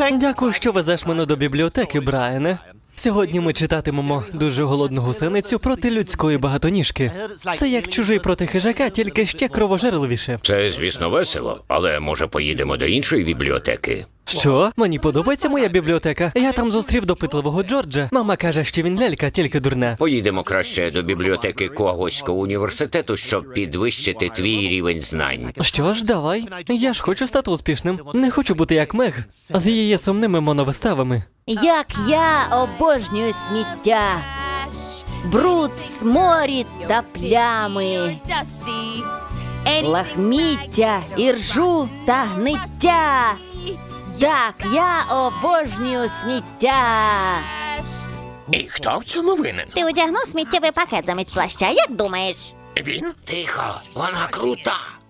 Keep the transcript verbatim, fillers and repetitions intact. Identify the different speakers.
Speaker 1: Дякую, що везеш мене до бібліотеки, Брайане. Сьогодні ми читатимемо дуже голодну гусеницю проти людської багатоніжки. Це як чужий проти хижака, тільки ще кровожерливіше.
Speaker 2: Це, звісно, весело, але може поїдемо до іншої бібліотеки?
Speaker 1: Що? Мені подобається моя бібліотека. Я там зустрів допитливого Джорджа. Мама каже, що він лялька, тільки дурна.
Speaker 2: Поїдемо краще до бібліотеки Когоського університету, щоб підвищити твій рівень знань.
Speaker 1: Що ж, давай. Я ж хочу стати успішним. Не хочу бути як Мег, з її сумними моновиставами.
Speaker 3: Як я обожнюю сміття, бруд, сморід та плями, лахміття, іржу та гниття. Так, я обожнюю сміття.
Speaker 4: І хто в цьому винен?
Speaker 5: Ти одягнув сміттєвий пакет замість плаща, як думаєш?
Speaker 4: Він?
Speaker 2: Тихо, вона крута.